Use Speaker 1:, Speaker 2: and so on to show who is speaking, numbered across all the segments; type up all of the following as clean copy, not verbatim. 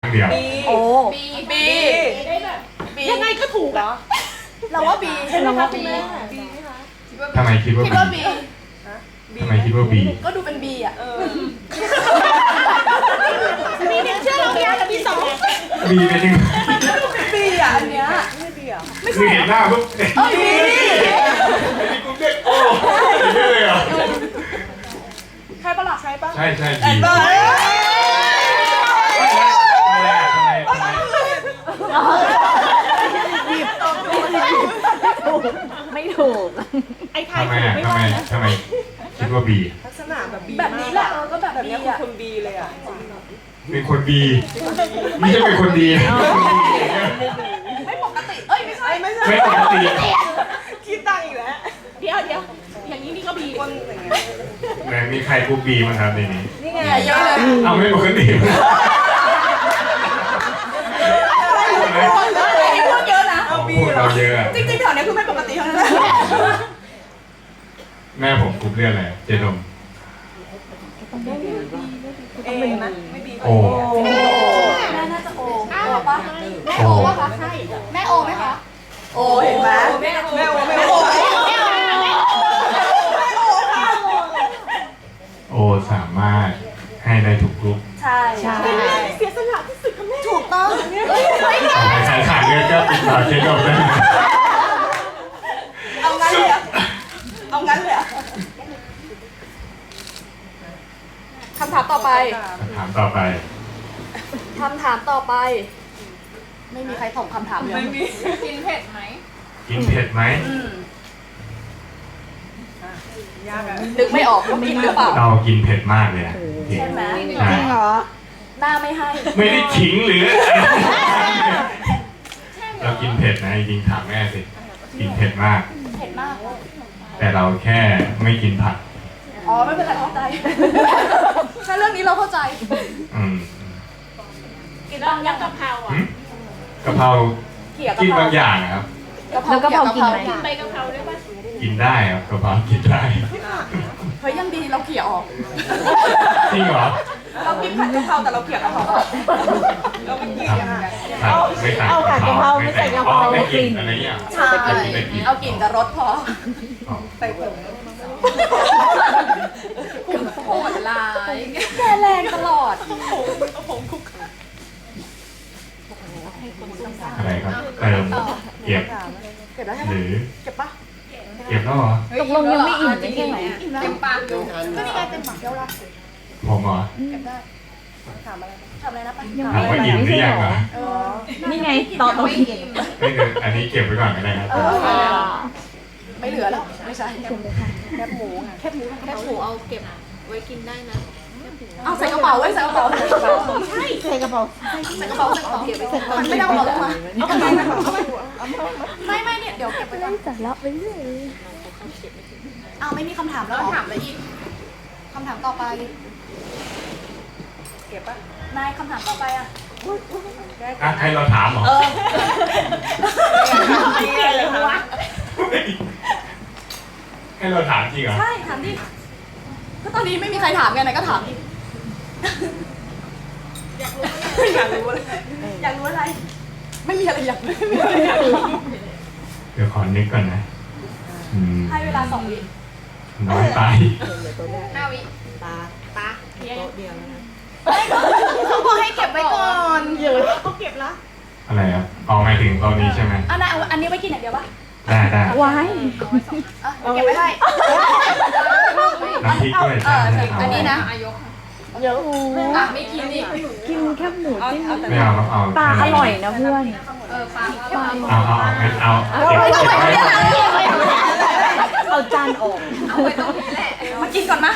Speaker 1: เดียว
Speaker 2: โอ้
Speaker 3: บี
Speaker 2: ยังไงก็ถูกเหรอเราว่าบีใช่ไหมคะบี
Speaker 1: ทำไมคิดว่า
Speaker 3: คิดว่าบี
Speaker 1: ทำไมคิดว่าบี
Speaker 3: ก็ดูเป็นบีอ่ะ
Speaker 2: บีหนึ่งเชื่อเราเนี่ยบีสอง
Speaker 1: บีเป็นยังไง
Speaker 3: บีอ่ะอันเนี้ย
Speaker 1: คือเห็นหน้าปุ๊บไอ้นี่กูเด็กโอ้ใช่เลยเหรอ
Speaker 3: ใช่ปะล่ะใช่ปะ
Speaker 1: ใช่บี
Speaker 3: เออ
Speaker 2: ไม่ถูกไอ้ไทย
Speaker 1: ทำไม
Speaker 2: ถูก
Speaker 1: อ่ะ
Speaker 2: ไม่
Speaker 1: ทำไม
Speaker 2: ว่านะ
Speaker 1: ทำไมคิดว่าบี
Speaker 4: ลักษณะแบบบี
Speaker 3: แบบนี้แหละก็แบบ
Speaker 4: แบบ
Speaker 3: บี
Speaker 4: นี้คือ
Speaker 3: อ่ะ
Speaker 4: คนบีเลยอ่ะ
Speaker 1: เป็นคนบีไม่ใช่เป็นคนดี
Speaker 3: ไม่ปกติเอ้ยไม่ใช่
Speaker 4: ไม่ใช่
Speaker 1: ไม่ปกติ
Speaker 4: คิดตังค์อีกแล้ว
Speaker 2: เดี๋ยวอย่างนี้นี่ก็บี
Speaker 4: คนอย่างเงี้ย
Speaker 1: ไหนมีใครกูบีมั้งครับในนี้
Speaker 4: นี่ไง
Speaker 3: เยอะเลย
Speaker 1: เอาไม่ปกติ
Speaker 3: พูดเยอะนะ
Speaker 1: พูดเราเยอะอะ
Speaker 3: จริงๆแถวเนี้ยคือไม่ปกติทั้งนั้นเลย
Speaker 1: แม่ผมกรุ๊ปเลือดอะไรเจนม
Speaker 4: เอนะไม่บี
Speaker 1: โอ้
Speaker 3: แม่น่าจะโอปะ
Speaker 1: โอ้
Speaker 2: ใช่
Speaker 3: แม่โอไหมคะโอเห็นไหม
Speaker 4: แม่โอแม่โอ
Speaker 1: โอสามารถให้ได้ทุกกรุ๊ป
Speaker 3: ใช่
Speaker 2: ใช่
Speaker 4: เสียสละที่สุดค่ะแม่
Speaker 3: ถูกต้อง
Speaker 1: ต่อไปใครขาดเลือดก็ติดต่อเจนมได้
Speaker 3: เอางั้นเลยอ่ะเอางั้นเลยอ่ะคำถามต่อไป
Speaker 1: ถามต่อไป
Speaker 3: คำถามต่อไป ไม่มีใครตอบคำถามเลย
Speaker 4: ไม่มี
Speaker 3: กินเผ็ดไหม
Speaker 1: กินเผ็ดไหม
Speaker 4: ยากอ่ะ
Speaker 3: นึกไม่ออกว่ากินหรือเปล่า
Speaker 1: เรากินเผ็ดมากเลยนะจริง
Speaker 3: ใช่ไหม
Speaker 1: ใช่
Speaker 3: หน้าไม่ให้
Speaker 1: ไม่ได้ขิงหรือเรากินเผ็ดนะจริงๆถามแม่สิกินเผ็ดมาก
Speaker 3: เผ็ดมาก
Speaker 1: แต่เราแค่ไม่กินผัก
Speaker 3: อ๋อไม่เป็นไรเข้าใจถ้าเรื่องนี้เราเข้าใจ
Speaker 1: อืม
Speaker 2: กินบางยักษ์กะเพราอ่ะ
Speaker 1: หึกะเพรา
Speaker 3: เกี่ยวกับ
Speaker 1: กินบางอย่างนะครับ
Speaker 2: แล้วกะเพรากินไหม
Speaker 3: เกี่ยวกับ
Speaker 2: ใบกะเพราได้ป่ะ
Speaker 1: กินได้ครับกะเพรากินได้
Speaker 3: เฮ้ยยังดีเราเกี่ยวออก
Speaker 1: จริงเหรอ
Speaker 3: เรากินผัดกะเพราแต่เราเกี่ยวกะเพรา
Speaker 4: เราไม่กิน
Speaker 1: ครับ
Speaker 4: อ่ะ
Speaker 1: ไม่ใส่กะเพราไม่ใส่กะเพราไม่กินอะไรเงี้ย
Speaker 3: ใช่เอากลิ่นกับรสพอ
Speaker 1: อ๋อ
Speaker 4: ใส่ผง
Speaker 3: โหดร้ายแกแรงตลอด
Speaker 1: อะไรครับเติมเก็บ
Speaker 3: เก็บแล้วใช่ไหม
Speaker 1: หรือ
Speaker 3: เก็บปะ
Speaker 1: เก็บแล้วเหรอ
Speaker 2: ตกลงยังไม่อิ่มใช่ไหม
Speaker 3: เต็มปากอยู่ก็นี่ไงเต็มปากเดียวละ
Speaker 1: ผมเหรอ
Speaker 3: เก็บได้ถามอะไรนะปะ
Speaker 2: ยัง
Speaker 1: ถาม
Speaker 2: ไม่
Speaker 1: ว่าอิ่มหรือยังเหรอ
Speaker 3: เออ
Speaker 2: นี่ไงต่อ
Speaker 1: ไม่เดี๋ยวอันนี้เก็บไว้ก่อนก็ได้ครับ
Speaker 3: ไม่เหลือแล้วไม่ใช่แคบหมูไง
Speaker 5: แคบหมูเอาเก็บไว้กินได้นะ
Speaker 3: เอาใส่กระเป๋าไว้ใส่กระเป๋าใส่กระเป๋า
Speaker 2: ใช่ใส่กระเป๋า
Speaker 3: ใส่กระเป๋าใส่กระเป๋ามันไม่ได้เอาลงมาเอาไปไม่เนี่ยเดี๋ยวเก็บไปก่อน
Speaker 2: สาระไปเรื่อย
Speaker 3: เอาไม่มีคำถามแล้วถามอะไรอีกคำถามต่อไป
Speaker 4: เก็บป่ะ
Speaker 3: นายคำถามต่อไปอ่ะ
Speaker 1: อ่ะให้เราถามเหรอ ให้เราถามจริงเหรอ
Speaker 3: ใช่ถามดิก็ตอนนี้ไม่มีใครถามไงนายก็ถามดิ
Speaker 4: อยากรู้อะไร
Speaker 3: อยากรู้อะไร ไม่มีอะไรอยากรู้
Speaker 1: เดี๋ยวขอนึกก่อนนะอืม
Speaker 3: ให้เวลา2 วิ
Speaker 1: น้อยไป
Speaker 3: 5 วิ
Speaker 5: ตาโต๊ะเดียวแล้วนะ
Speaker 3: เขาบอกให้เก็บไว้ก่อน
Speaker 2: เยอะก็เก็บละ
Speaker 1: อะไรครับเอาหมายถึงตอนนี้ใช่ไหม
Speaker 3: อันนั้นอันนี้ไว้กินอย่างเดียวปะ
Speaker 1: ได้ได้
Speaker 2: ว้าย
Speaker 3: เก็บไว้ให้
Speaker 1: น้ำพริกด้วยใช่ไหม
Speaker 3: อันนี้นะ
Speaker 2: เยอะ
Speaker 3: ไม่กินนี่
Speaker 2: กินแค่หมูจิ้ม
Speaker 1: ไม่เอาเอา
Speaker 2: ปลาอร่อยนะเพื่อน
Speaker 1: เอางั้นเอาเก็บไว้
Speaker 2: เอาจานออก
Speaker 3: มากินก่อนมะ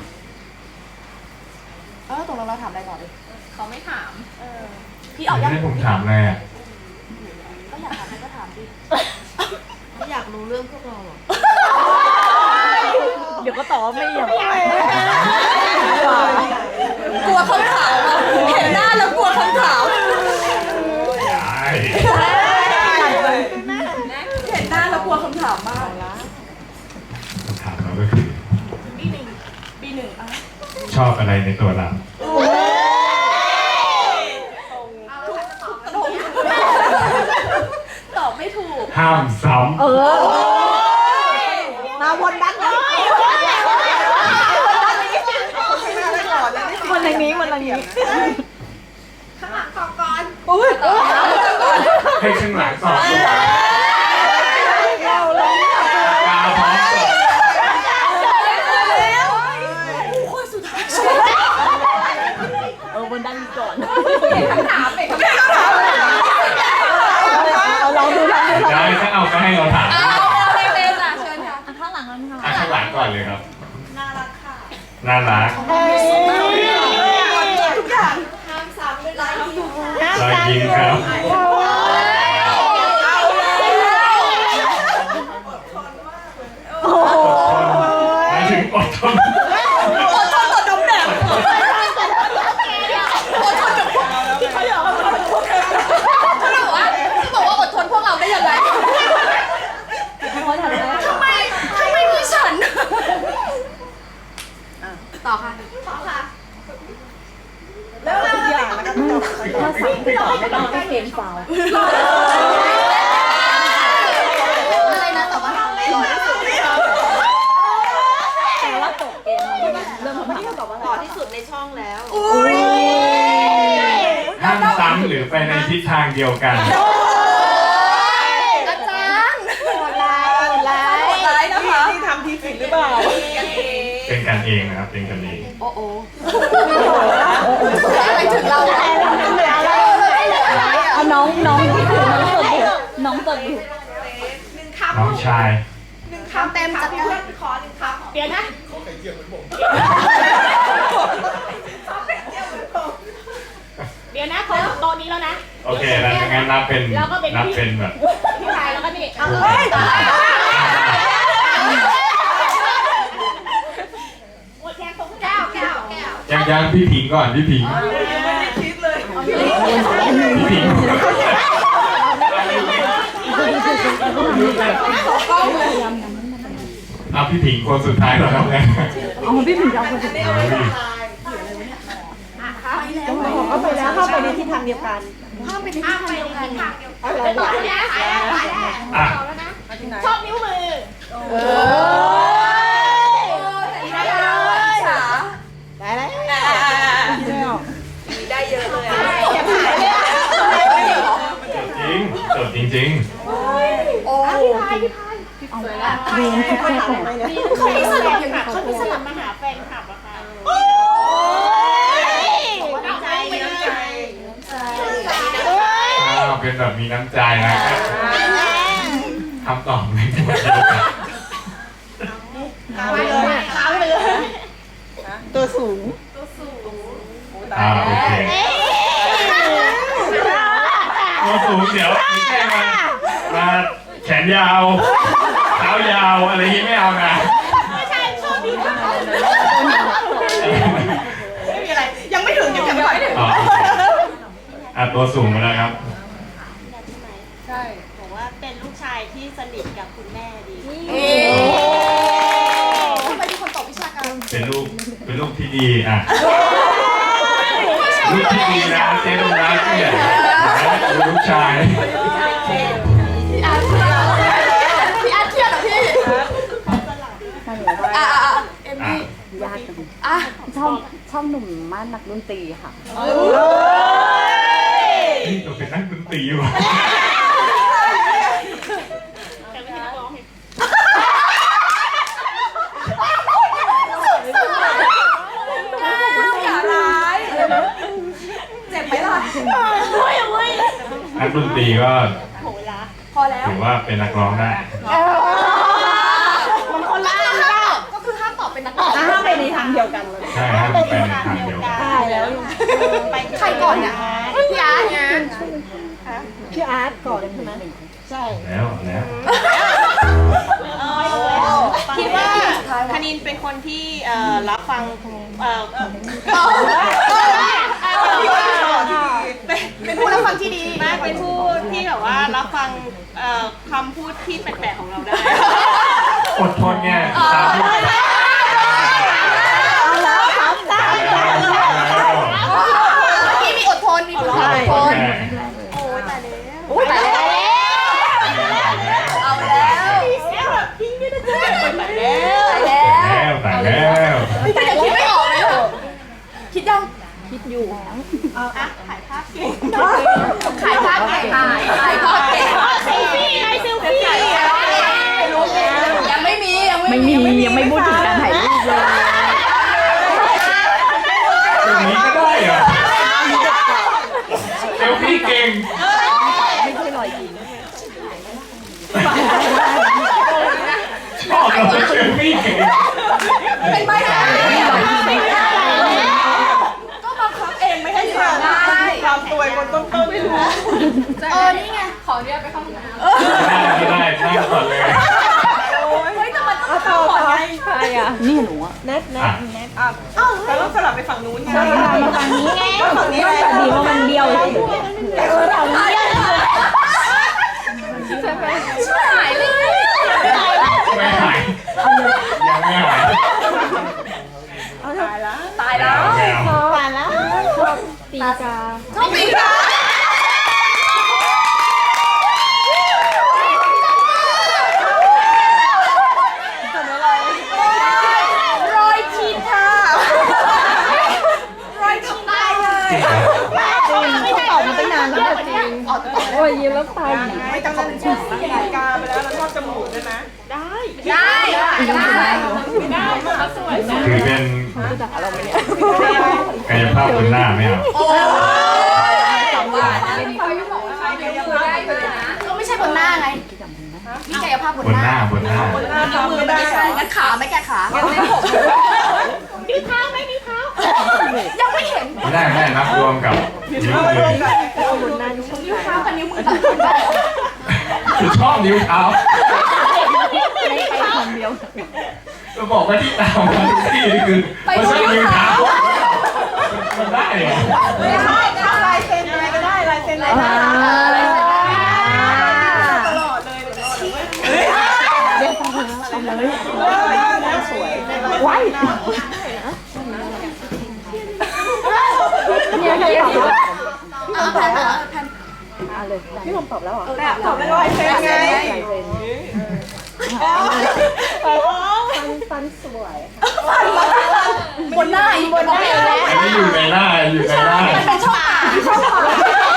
Speaker 3: ตกลงเราถามอะไรก่อนดิ
Speaker 5: เขาไม่ถาม
Speaker 3: พี่ออกยัง
Speaker 1: ให้ผมถามอะไรอ่ะ
Speaker 3: ก็อยากถามอะไรก็ถามดิ
Speaker 5: ไม่อยากรู้เรื่องพวกเราหรอ
Speaker 2: เดี๋ยวก็ตอบว่าไม่อยาก
Speaker 3: กลัวคำถามอ่ะเห็นหน้าแล้วกลัวคำถาม
Speaker 1: ได้
Speaker 3: เห็นหน้าแล้วกลัวคำถามมาก
Speaker 1: คำถามเราก็คือ
Speaker 3: B1 อ่ะ
Speaker 1: ชอบอะไรในตัวเรา
Speaker 4: ตรง
Speaker 1: ห้ามซ้
Speaker 2: มาวนด้านนี้วนทางนี้วนทางนี้
Speaker 3: ข้างหลังขอก่อน
Speaker 1: ำให้ข้างหลังสอบตัวตาพร้อมจบ
Speaker 2: วนด้านนี้ก่อน
Speaker 3: คำถามเป็นคำถาม
Speaker 2: ลองดู
Speaker 1: ได้ถ้าเอาก็ให้เราถาม
Speaker 3: เร็วๆจ้ะเชิญค่ะ
Speaker 2: ข้างหลังนั้นค่ะ
Speaker 1: ข้างหลังก่อนเลยครับ
Speaker 4: น่ารักค่ะ
Speaker 1: น่ารัก
Speaker 4: ทุกอย่าง
Speaker 3: ห้ามซ้ำด้วยไลฟ์อยู่
Speaker 1: รอยยิ้มครับหมายถึงอดทน
Speaker 4: ต่อดมแดด
Speaker 3: เขาบอกว่าอดทนพวกเราได้ยังไงทำไมมีฉันต่อค่ะต่อค่ะ
Speaker 4: ทุกอย่างนะคะ
Speaker 2: ถ้าสั่งไม่ต้องให้เกมฟาว
Speaker 3: อะไรนะต่อว่าหล่อที่สุด
Speaker 2: แต่ว่าตกเกมเริ่มคำถามตอบว่า
Speaker 5: หล่อที่สุดในช่องแล้ว
Speaker 1: ห้ามซ้ำหรือไปในทิศทางเดียวกัน
Speaker 3: อาจารย์
Speaker 2: โหดร้ายนะคะ
Speaker 4: ที่ทำทีผิดหรือเปล่า
Speaker 1: เป็นกันเองนะครับ เป็นกันเอง
Speaker 3: โอ้โหอะไรถึงเราอะ
Speaker 2: เอาน้องที่ถือน้องตดอยู่
Speaker 1: น้องชาย
Speaker 3: คำเต็มจัด
Speaker 4: พี่
Speaker 3: การ
Speaker 4: เพื่อนขอหนึ่งคำ
Speaker 3: เปลี่ยนนะ
Speaker 2: เดี๋ยวนะเขาโต๊ะนี้แล้วนะ
Speaker 1: โอเคแล้วงั้นนับเป็นแบบ
Speaker 2: พี่ชายแล้วก็นี่ หมดแค่ตรง
Speaker 3: แก้ว
Speaker 1: ยังพี่ผิงก่อนพี่ผิง
Speaker 4: ยังไม่ได้คิดเลย
Speaker 1: พี่ผิงเอาพี่ผิงคนสุดท้ายแล้วครับเนี่ย
Speaker 2: อ๋อพี่ถึงจะเอาคนสุดท้าย
Speaker 4: เอาไปแล้วเข้าไปในทิศทางเดียวกัน
Speaker 3: ห้ามไปที่ทางเดียวกัน
Speaker 4: อะไร
Speaker 3: ต่อ
Speaker 4: วะ
Speaker 3: แล้วนะ
Speaker 1: อ่ะ
Speaker 2: ชอบนิ้วมือ
Speaker 3: ได้เลยจ๋า
Speaker 2: ได้แล้ว
Speaker 4: ได้เยอะเลย
Speaker 1: จดจริง
Speaker 3: โอ้พี่พายสวยละ
Speaker 2: เรียนแค่ไหน
Speaker 3: เขามีสลับอย่างนี้เขามีสลับมาหาแฟนคลับอะค่ะ
Speaker 4: น้ำใจน้ำใจ
Speaker 1: ๆเป็นแบบมีน้ำใจนะครับคำตอบไม่หมดเดียวกัน
Speaker 4: ไปเลยขาไปเลย
Speaker 2: ตัวสูง
Speaker 1: โอเคตัวสูงเดี๋ยวไม่ใช่มาแขนยาวเท้ายาวอะไรนี้ไม่เอานะ
Speaker 4: ไม่มีอะไร ยังไม่ถึงยังไม่ถึง
Speaker 1: อ๋อโอเคตัวสูงมาแล้วครับ
Speaker 5: ใช่บอกว่าเป็นลูกชายที่สนิทกับคุณแม่ดี
Speaker 3: ทำไมมีคนตอบวิชาการ
Speaker 1: เป็นลูกที่ดีอ่ะลูกที่ดีนะเจ๊ลูกรักเนี่ยลูกชาย
Speaker 3: พี่อาร์ตเชื่อเหรอพี่เอมมี่
Speaker 2: ยากจัง
Speaker 3: อ่ะ
Speaker 2: ชอบหนุ่มม่านนักดนตรีค่ะ
Speaker 1: นี่เราเป็นนักดนตรีว่ะ
Speaker 3: อย่าร้ายเจ็บไหมล่ะ
Speaker 1: นักดนตรีก็
Speaker 3: พอแล้ว
Speaker 1: ถือว่าเป็นนักร้องได้
Speaker 3: มันคนละอันก็คือห้ามตอบเป็นนักร้อง
Speaker 2: ห้ามไปในทางเดียวกันเลย
Speaker 1: ใช่ฮะมันไปในทางเดียวกัน
Speaker 2: ได้แล้ว
Speaker 3: ใครก่อนเนี่ยพี่อาร์ตไง
Speaker 2: พี่อาร์ตก่อนใช่ไหมใช่
Speaker 1: แล้ว
Speaker 5: คิดว่าคณินเป็นคนที่รับฟัง
Speaker 3: เป็นผู้รับฟังที่ดี
Speaker 5: มากเป็นผู้ที่แบบว่ารับฟังคำพูดที่แปลกๆของเราได้
Speaker 1: อดทนไงตามที่
Speaker 2: เอาแล้วครับได้
Speaker 3: พี่มีอดทนมีผู้อดทน
Speaker 1: โอเค
Speaker 3: โอ้ยตายแล้ว
Speaker 4: อยู่
Speaker 5: ถ่ายภาพเก่ง
Speaker 2: ขายภาพเก่งขายภาพเก่ง
Speaker 5: เซลฟี่ไงเซลฟี่
Speaker 2: ยังไม่มี
Speaker 4: ยังไม่พูดถึงการถ่ายรูปเลย
Speaker 1: อย่างนี้ก็ได้เหรอเซลฟี่เก่ง
Speaker 4: ไม่ใช่รอยยิ้ม
Speaker 1: ชอบเราเซลฟี่เก่ง
Speaker 2: เป็นไปได้ก็บังคับเองไม่ให้ทำได้
Speaker 5: ความตัวบนต้นๆไม่รู้
Speaker 2: นี่ไงขอเรียกไปเข้าห้องน้ำ
Speaker 1: ไม่ได้นั่งก่อนเลย
Speaker 2: เฮ้ยแต่มันต้องเข้าก่อนไง
Speaker 4: ใครอ่ะนี่หนูอ่ะ
Speaker 5: แนทแล้วต้องสลับไปฝั่งนู้นไง
Speaker 4: มาฝั่งนี้ไง
Speaker 5: ฝั่งนี้เลย
Speaker 4: ดีว่ามันเบี้ยวเลย
Speaker 2: ช่วยหายเลย
Speaker 1: ไม่หายยังไม่หาย
Speaker 2: ตายแล้ว
Speaker 1: ไม่เอา
Speaker 5: ผ่านแล้ว
Speaker 4: ตีกา
Speaker 2: ชอบปีการอยชีทารอยชีตายเลย
Speaker 4: ไม่ได้ออกมาตั้งนานแล้วจริงโอ้ยยิ้มแล้วตาย
Speaker 5: ไม่ต้องเป็นช่วงรายการไปแล้วเราชอบจมูกใช่ไหม
Speaker 2: ได้
Speaker 5: เขาสวย
Speaker 1: ถือเป็น
Speaker 4: จะหาเราไหมเนี่ย
Speaker 1: กายภาพบนหน้าไม่เอา
Speaker 2: โอ้ยสองบาทเขายังบอกว่าเขาเลี้ยงมือได้เลยนะก็ไม่ใช่บนหน้าไงมีกายภาพบบ น
Speaker 1: น
Speaker 2: ห
Speaker 1: ห
Speaker 2: น้า
Speaker 1: น้าบนหน้า
Speaker 5: หน้าทำไม่ได้
Speaker 2: งั้นขาไม่แกขางั้นไม่ผม
Speaker 5: มีเท้าไม่มีเท้า
Speaker 2: ยังไม่เห็น
Speaker 1: ไม่ได้ไม่ได้นับรวมกับนิ้วมือ
Speaker 2: นิ้วเท้ากับนิ้วมือต่างกัน
Speaker 1: คือชอบนิ้วเท้า
Speaker 4: ไปคนเดียว
Speaker 1: จะบอกว่าที่ตามมาทุกที่นี่คือไม่ใช่นิ้วเท้ามันได้เหรอ
Speaker 5: ไม่ได้ทำลายเซ็นอะไรก็ได้ลายเซ็นอะไรได้ตลอดเลย
Speaker 4: เรียกฟังแล้วทำเลย
Speaker 5: สวย
Speaker 4: ไว้เนี่ยใครตอบแล้ว
Speaker 2: แผ่นแผ่น
Speaker 4: เลยพี่ผมตอบแล้วเหรอ
Speaker 5: แต่ตอบไม่ลายเซ็นไง
Speaker 4: ฟันสวย
Speaker 2: บนหน้าอีกบนหน้าแล้ว
Speaker 1: อันนี้อยู่ในหน้าอยู่ในหน้า
Speaker 2: มันเป็นช่องปากช่องปาก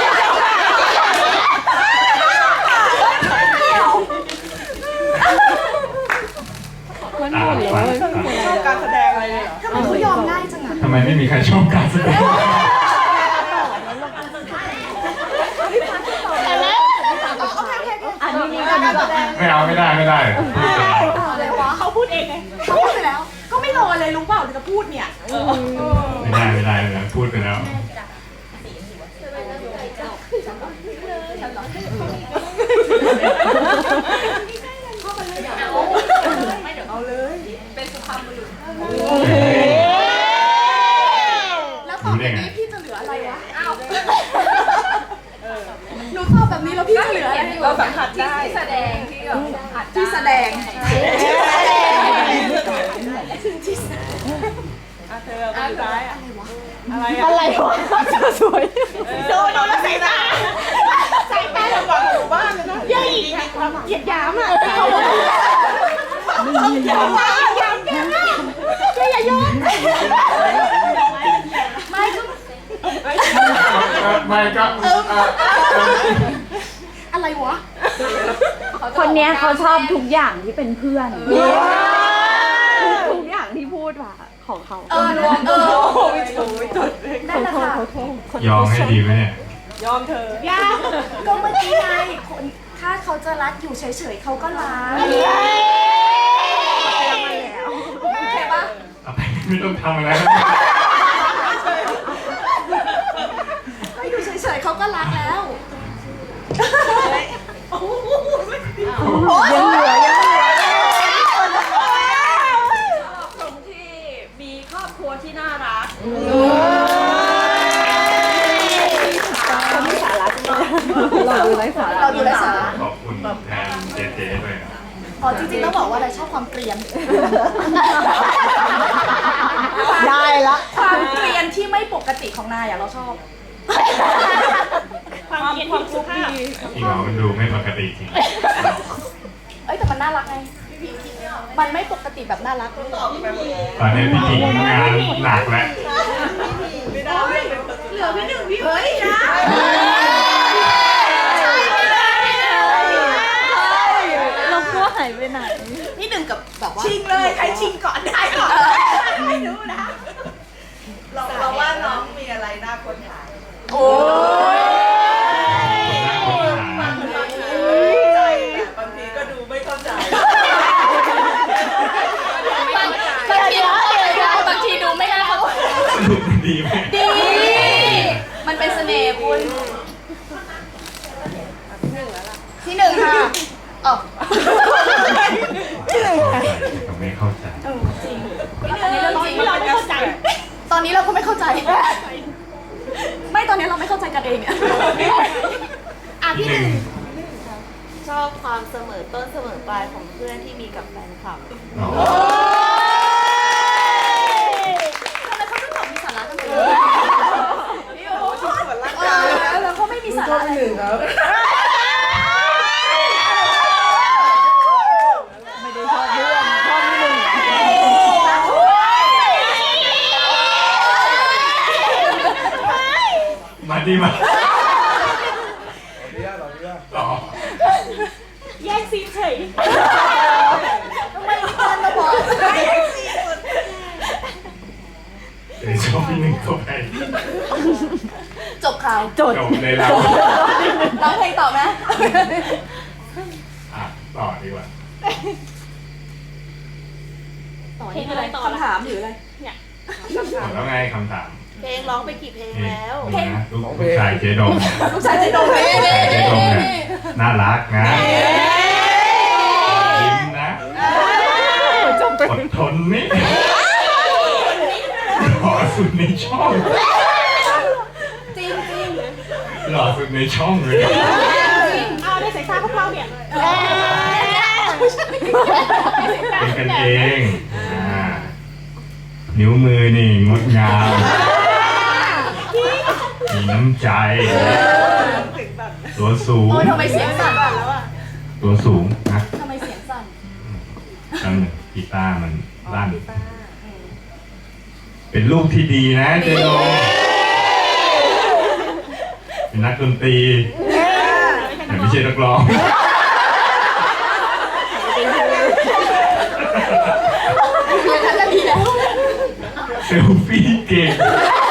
Speaker 4: มันหมดเลย
Speaker 5: ชอบการแสดงอะไรเนี่ย
Speaker 2: ทำไมเขายอมง่ายจังอ่ะ
Speaker 1: ทำไมไม่มีใครชอบการแสดง
Speaker 4: อันนี้ก็แบบ
Speaker 1: ไม่เอาไม่ได้ไม่ได้พูดไปแล้ว
Speaker 2: อะไรวะ
Speaker 5: เขาพูดเองไง
Speaker 2: เขาพูดไปแล้ว ก็ไม่รอเลยรู้เปล่าจะพูดเนี่ย
Speaker 1: ไม่ได้พูดไปแล้ว
Speaker 2: แล้วตอนนี้พี่จะเหลืออะไรวะอ้าวหนูตอบแบบนี้แล้วพี่จะเหลืออะไร
Speaker 5: เราสัมผัสได้
Speaker 2: ที่แสดงที่แสดง
Speaker 5: เธอคนร้ายอะไร
Speaker 4: อะไรวะสวย
Speaker 5: โดนแล้วใส่ตาใส่ตาเราบอกหมู่บ้านเลยนะเย้ยเหยียดหยามอ่ะหยามแกมากอย่าโยน
Speaker 2: ไม่ก็
Speaker 1: ไม่ก็
Speaker 2: อะไรวะ
Speaker 4: คนเนี้ยเขาชอบทุกอย่างที่เป็นเพื่อนทุกอย่างที่พูดว่าของเขา
Speaker 2: รวม
Speaker 5: ไม่ถูกไม่ถูก
Speaker 2: นั่นแหละค่ะ
Speaker 1: ยอมให้ดีไหมเนี่ย
Speaker 5: ยอมเธอย
Speaker 2: ากก็เมื่อกี้ไงคนถ้าเขาจะรักอยู่เฉยๆเขาก็รักโอเคปะ
Speaker 1: เอาไปไม่ต้องทำอะไร
Speaker 2: ก็อยู่เฉยๆเขาก็รักแล้ว
Speaker 4: ยังเหลือ
Speaker 5: ตรงที่มีครอบครัวที่น่ารัก
Speaker 4: เขาไม่สาระเราดูไร้สาระ
Speaker 2: เราดูไร้สาระ
Speaker 1: ขอบคุณแทนเจเจด้วยนะ
Speaker 2: อ๋อจริงๆต้องบอกว่าอะไรชอบความเกลียน
Speaker 4: ได้ละ
Speaker 2: ความเกลียนที่ไม่ปกติของนายอะเราชอบ
Speaker 5: ความสุภาพ
Speaker 1: อีหมอมันดูไม่ปกติจริง
Speaker 2: เอ้ยแต่มันน่ารักไงมันไม่ปกติแบบน่ารัก
Speaker 1: ตอนนี้พี่หญิงงานหนักแล้ว
Speaker 5: ไม่ได้พี่หนึ่งพี่เฮ้ยนะ
Speaker 4: เรากลัวหายไปไหน
Speaker 3: พี่หนึ่งกับแบบว่า
Speaker 5: ชิงเลยใครชิงก่อนได้ก่อนไม่รู้นะเราว่าน้องมีอะไรน่าค้นหา
Speaker 3: โอ้ย
Speaker 1: หน้าคนหา
Speaker 5: ใจแต่บางทีก็ดูไม่เข้าใจ
Speaker 3: บางทีดูไม่ได้เขา
Speaker 1: สรุปมันดีไหม
Speaker 3: ดี มันเป็นเสน่ห์คุณที่หนึ่งค่ะอ๋อ
Speaker 1: ก็ไม่เข้าใจ
Speaker 3: อันนี้เรื่องจริงเราไม่เข้าใจ ตอนนี้เราก็ไม่เข้าใจ ไม่ตอนนี้เราไม่เข้าใจกันเองเนี่ยอ่ะ
Speaker 1: ที่
Speaker 3: พี่
Speaker 1: ห
Speaker 3: ห
Speaker 1: นึ่
Speaker 3: นึ่
Speaker 1: ง
Speaker 3: ง
Speaker 2: ชอบความเสมอต้นเสมอปลายของเพื่อนที่มีกับแฟนคลับ
Speaker 1: อ๋อ
Speaker 3: ทำไมเขาต้องตอบมีสาระกันเลย
Speaker 5: นี่โอ้โหที่ส่วนร่าง
Speaker 3: เอก
Speaker 5: าย
Speaker 3: อแล้วเขาไม่มีสาระอะไรเลย
Speaker 4: ไม่ได้ชอบเพื่อนชอบพี่หนึ่ง
Speaker 1: มาดีมาต่อ
Speaker 5: แยกซีนเฉย
Speaker 3: ทำไมอีกคนมาบอก
Speaker 5: แยกซีนสุด
Speaker 1: เดี๋ยวชอบพี่หนึ่งเข้าไป
Speaker 3: จบข่าว
Speaker 4: จด
Speaker 1: จบเลยเรา
Speaker 3: ร้องเพลงต่อไหม
Speaker 1: อ่ะต่อดีกว่า
Speaker 3: ต่อนี่อะไรคำถามหรืออะไร
Speaker 1: หมดแล้วไงคำถาม
Speaker 2: เพลงร้องไปกี่เพลง
Speaker 1: นี่
Speaker 2: แล้ว
Speaker 1: ดูนะลูกชายเจดม
Speaker 3: ลูกชายจะโดน
Speaker 1: ลูกชายเจดมเนี่ยน่ารักนะยิ้มนะอดทนนี่หล่อสุดในช่อง
Speaker 3: จริงจริง
Speaker 1: หล่อสุดในช่องเลย
Speaker 5: เอาได้สายตาพวกเราเนี่ย
Speaker 1: เป็นกันเองนิ้วมือนี่งดงามมีน้ำใจ
Speaker 5: ถึงแบบ
Speaker 1: ตัวสูง
Speaker 3: โอ้ยทำไมเสียงสั่น
Speaker 5: แล้วอ่ะ
Speaker 1: ตัวสูงนะ
Speaker 3: ทำไมเสียงสั่น
Speaker 1: ตั้งกีตาร์มันลั่นเป็นลูกที่ดีนะเจโดเป็นนักดนตรีแต่ไม่ใช่นักร้อง
Speaker 3: อย่างนั้นจะดีแล้ว
Speaker 1: เซลฟี่เก่ง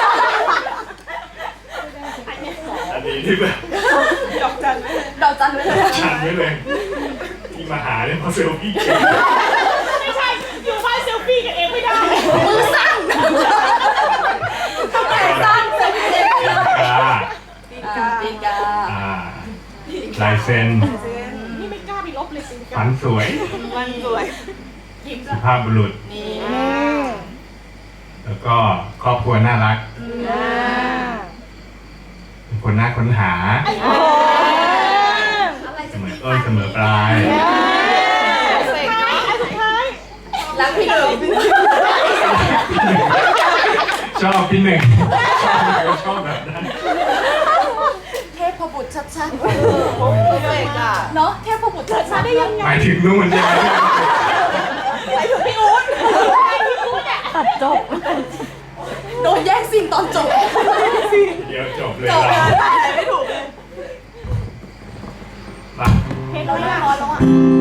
Speaker 1: อันนี้ที่แบบ
Speaker 5: ดอกจันไหม
Speaker 3: ดอกจันไว้เลย
Speaker 1: ชันไว้เลยที่มาหาเนี่ยเพราะเซลฟี่เก่ง
Speaker 5: ไม่ใช่ อยู่บ้านเซลฟี่กันเองไม่ได้
Speaker 3: มือสั่นทำไมสั่นเสียงเสียง
Speaker 1: ปีกา
Speaker 3: ปีกา
Speaker 1: ลายเซ็น
Speaker 5: นี่ไม่กล้าไปลบเลยสิ
Speaker 1: ฝันสวย
Speaker 5: มันสวย
Speaker 1: สุภาพบุรุษ
Speaker 3: นี่
Speaker 1: แล้วก็ครอบครัวน่ารักเป็นคนน่าค้นหา
Speaker 3: อะไร
Speaker 1: เส
Speaker 3: จะ
Speaker 1: ม
Speaker 3: มี
Speaker 1: อต้นเสมอปลาย
Speaker 5: สุดท้าย
Speaker 3: รักพี่หนึ่ง
Speaker 1: ชอบพี่หนึ่งชอบแบบนั้น
Speaker 3: เทพบุตรชัด
Speaker 5: เพอร์เฟกต์อ่ะ
Speaker 3: ๆเนาะเทพบุตรชัดๆได้ยังไง
Speaker 1: หมายถึงนู่นใช่ไหม
Speaker 5: ไปถึงพี่อู๊ดพี่อู๊ดอ่ะ
Speaker 4: ตัดจบ
Speaker 3: โดนแย่งซีนตอนจบ
Speaker 1: เดี๋ยวจบเลย
Speaker 3: จบ
Speaker 1: เรา
Speaker 3: เลย
Speaker 5: ไม่ถูกเลย
Speaker 1: มา
Speaker 3: เราเรียบร้อยแล้วอ่ะ